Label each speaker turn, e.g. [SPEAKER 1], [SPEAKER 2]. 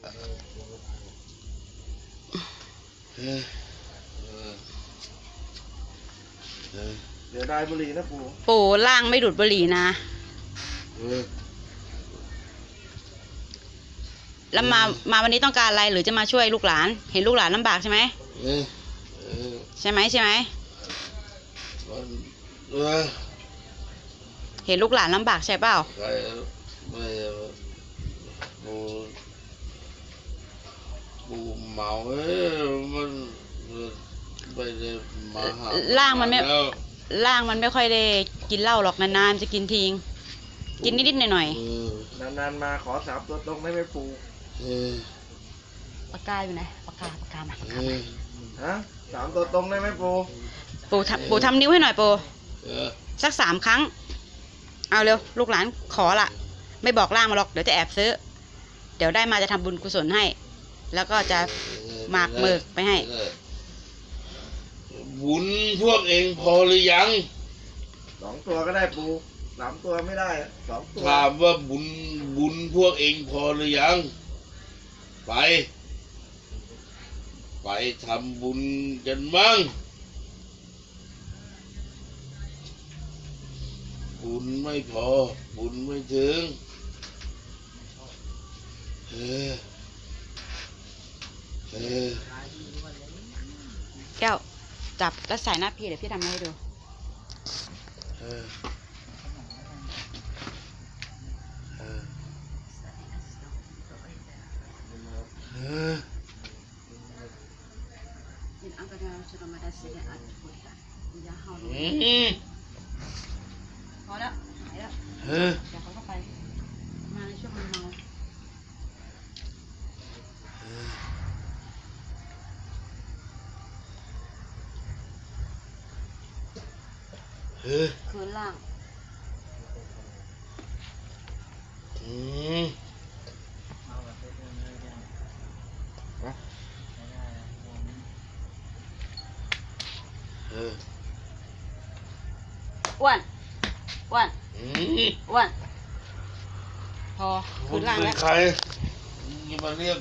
[SPEAKER 1] เดี๋ยวได้บุหรี่นะปู่
[SPEAKER 2] ปู่ล่างไม่ดูดบุหรี่นะแล้วมาวันนี้ต้องการอะไรหรือจะมาช่วยลูกหลานเห็นลูกหลานลำบากใช่ไหมใช่ไหมเห็นลูกหลานลำบากใช่เปล่า
[SPEAKER 3] ปูเมามันไปเลยมาหา
[SPEAKER 2] ล่างมันไม่ค่อยได้กินเหล้าหรอกนานๆจะกินทิ้งกินนิดๆหน่อย
[SPEAKER 1] นานๆมาขอ3 ตัวตรงได้ไหมปู่
[SPEAKER 2] ปากกาอยู่ไหนปากกามา
[SPEAKER 1] ฮะ3 ตัวตรงได้ไหมปู่
[SPEAKER 2] ปู่ทำนิ้วให้หน่อยปู่สัก3 ครั้งเอาเร็วลูกหลานขอละไม่บอกล่างมาหรอกเดี๋ยวจะแอบซื้อเดี๋ยวได้มาจะทำบุญกุศลให้แล้วก็จะหมากเมิกไปให้
[SPEAKER 3] บุญพวกเองพอหรือยัง
[SPEAKER 1] 2 ตัวก็ได้ปู่3 ตัวไม่ได้2 ตัว
[SPEAKER 3] ถามว่าบุญพวกเองพอหรือยังไปทำบุญกันมั่งบุญไม่พอบุญไม่ถึง
[SPEAKER 2] แก้วจับแล้วใส่หน้าพี่เดี๋ยวพี่ทำให้ดูพอแล้วหายแล้วเดี๋ยวเขาก็ไปมาในช่วงมันเมาคืนล่างอ้วนพอคืนล่างแล้ว
[SPEAKER 3] ใครนี่มาเรียก